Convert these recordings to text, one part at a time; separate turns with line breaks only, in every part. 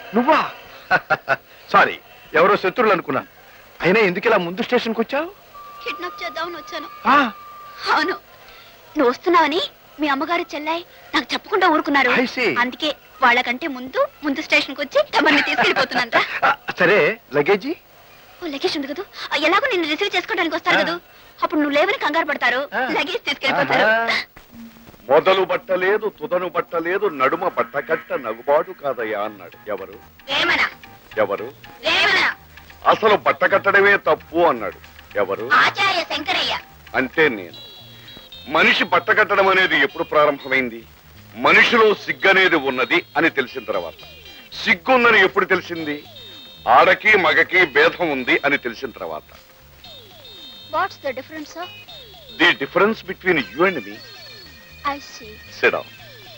నువ్వా? సారీ, ఎవరో శత్రువులు అనుకున్నాను. అయినా ఎందుకు ఇలా ముందు స్టేషన్కి వచ్చావు?
కిడ్నాప్ చేద్దామని వచ్చాను.
ఆ,
అవును, నువ్వు వస్తున్నావని మీ అమ్మగారు చెల్లాయి నాకు చెప్పకుండా ఊరుకున్నారు.
I see.
అందుకే వాళ్ళకంటే ముందు స్టేషన్కి వచ్చి తమని తీసుకెళ్ళిపోతున్నాను.
సరే, లగేజీ?
ఓ లగేజ్ ఉంది కదా, ఎలాగో నిన్ను రిసీవ్ చేసుకోవడానికి వస్తారు కదా, అప్పుడు నువ్వు లేవని కంగారు పడతారు, లగేజ్ తీసుకెళ్ళిపోతారు.
మొదలు బట్టలేదు, తుదను బట్టలేదు, నడుమ బట్టకట్ట నగుబాటు కాదయ్యా అన్నాడు. ఎవరు?
వేమన.
ఎవరు?
వేమన.
అసలు బట్టకట్టడమే తప్పు అన్నాడు. ఎవరు?
ఆచార్య శంకరయ్య.
అంటే నేను. మనిషి బట్టకట్టడం అనేది ఎప్పుడు ప్రారంభమైంది? మనిషిలో సిగ్గనేది ఉన్నది అని తెలిసిన తర్వాత. సిగ్గుందని ఎప్పుడు తెలిసింది? ఆడకి మగకి భేదం ఉంది అని తెలిసిన తర్వాత.
What's the difference sir?
The difference between you and me.
I see.
Sit down.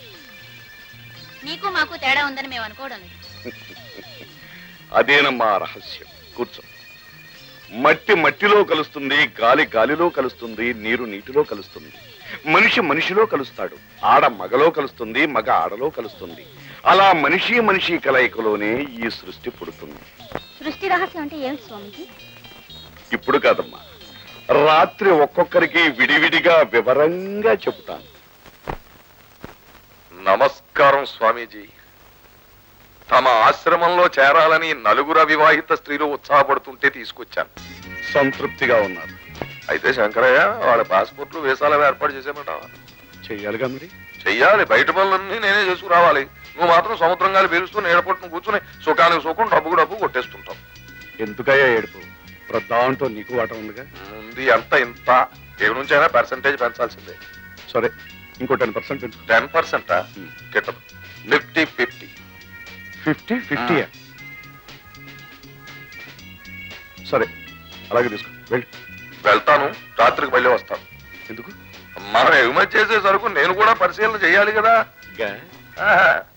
నీకు మాకు తేడా ఉందని మేము అనుకోవడం లేదు.
అదేనమ్మా రహస్యం. కూర్చో. మట్టి మట్టిలో కలుస్తుంది, గాలి గాలిలో కలుస్తుంది, నీరు నీటిలో కలుస్తుంది, మనిషి మనిషిలో కలుస్తాడు, ఆడ మగలో కలుస్తుంది, మగ ఆడలో కలుస్తుంది. అలా మనిషి మనిషి కలయికలోనే ఈ సృష్టి పుడుతుంది.
సృష్టి రహస్యం అంటే ఏమిటి స్వామిజీ?
ఇప్పుడు కాదమ్మా, రాత్రి ఒక్కొక్కరికి విడివిడిగా వివరంగా చెబుతాను.
నమస్కారం స్వామీజీ. తమ ఆశ్రమంలో చేరాలని నలుగురు అవివాహిత స్త్రీలు ఉత్సాహపడుతుంటే తీసుకొచ్చాను.
సంతృప్తిగా ఉన్నారు.
అయితే శంకరయ్య వాళ్ళ పాస్పోర్ట్లు వీసాలు ఏర్పాటు చేసేమంటావా?
చెయ్యాలిగా మరి.
చెయ్యాలి. బయట పనులన్నీ నేనే చేసుకురావాలి. నువ్వు మాత్రం సముద్రం గాలి పీలుస్తూ నీడపట్టును కూర్చుని సుఖానికి సుఖం, డబ్బుకు డబ్బు కొట్టేస్తుంటావు.
ఎందుకయ్యా ఏడుపు? దాంట్లో నీకు వాట ఉందిగా.
ఉంది అంత ఇంత. ఏ నుంచైనా పర్సంటేజ్ పెంచాల్సిందే.
సరే, ఇంకో 10% పెంచు.
10%? గిట్టదు. 50-50.
50-50? సరే, అలాగే తీసుకో. వెళ్ళి.
వెళ్తాను. రాత్రికి మళ్ళీ వస్తాను.
ఎందుకు?
మనం ఎగుమతి చేసే సరుకు నేను కూడా పరిశీలన చేయాలి కదా.
గా?
ఆహా.